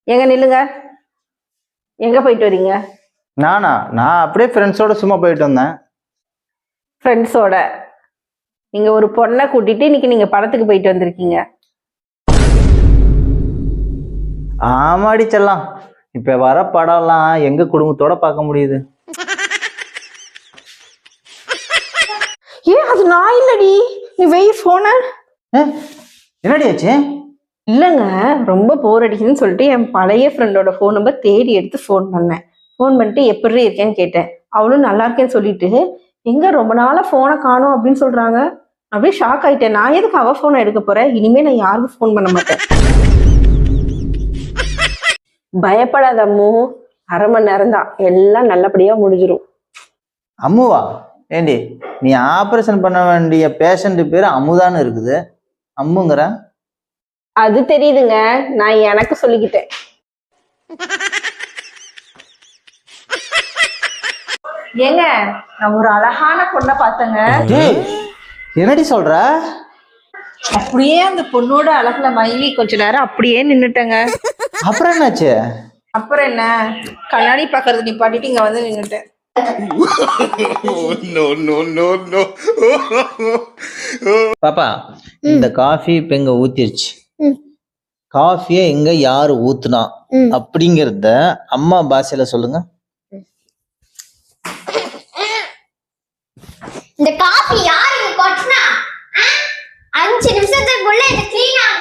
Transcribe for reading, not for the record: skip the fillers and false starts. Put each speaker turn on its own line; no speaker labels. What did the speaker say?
எங்க நில்லுங்க. எங்க போயிட்டு வரீங்க?
நான் அப்படியே ஃப்ரெண்ட்ஸோட சும்மா போயிட்டு வந்தேன்.
ஃப்ரெண்ட்ஸோட? நீங்க ஒரு பொண்ணை கூட்டிட்டு இன்னைக்கு நீங்க படத்துக்கு போயிட்டு வந்திருக்கீங்க.
ஆமாடி செல்லம், இப்ப வர படம்லாம் எங்க குடும்பத்தோட பார்க்க முடியுது?
ஏன் அது நான் இல்லடி, நீ வெய் போன.
என்னடி ஆச்சு?
இல்லைங்க, ரொம்ப போர் அடிக்குதுன்னு சொல்லிட்டு என் பழைய ஃப்ரெண்டோட ஃபோன் நம்பர் தேடி எடுத்து ஃபோன் பண்ணேன். ஃபோன் பண்ணிட்டு எப்படி இருக்கேன்னு கேட்டேன். அவளும் நல்லா இருக்கேன்னு சொல்லிட்டு எங்க ரொம்ப நாளா ஃபோனை காணோம் அப்படின்னு சொல்றாங்க. அப்படியே ஷாக் ஆயிட்டேன். நான் எதுக்கு அவ ஃபோனை எடுக்க போறேன்? இனிமே நான் யாருக்கும் ஃபோன் பண்ண மாட்டேன். பயப்படாத அம்மு, அரை மணி நேரம் தான், எல்லாம் நல்லபடியா முடிஞ்சிடும்.
அம்முவா? ஏண்டி, நீ ஆபரேஷன் பண்ண வேண்டிய பேஷண்ட் பேரு அம்முதான்னு இருக்குது, அம்முங்கிற?
அது தெரியுதுங்க, நான் எனக்கு சொல்லிக்கிட்டேன். ஏங்க, நான் ஒரு அழகான பொண்ணை பார்த்தேங்க.
என்னடி சொல்ற?
அப்படியே அந்த பொண்ணோட அழகுல மயங்கி கொஞ்ச நேரம் அப்படியே நின்னுட்டேங்க.
அப்புறம் என்னாச்சு?
அப்புறம் என்ன, கண்ணாடி பாக்குறது நிப்பாட்டிட்டு இங்க வந்து நின்னுட்டேன்.
பாப்பா, இந்த காஃபி இப்ப எங்க ஊத்திருச்சு. காஃபிய எங்க யாரு ஊத்துனா அப்படிங்கறத அம்மா பாஷையில சொல்லுங்க.
இந்த காஃபி யாரு கொட்டினா? 5 நிமிஷத்துக்குள்ள இது க்ளீன்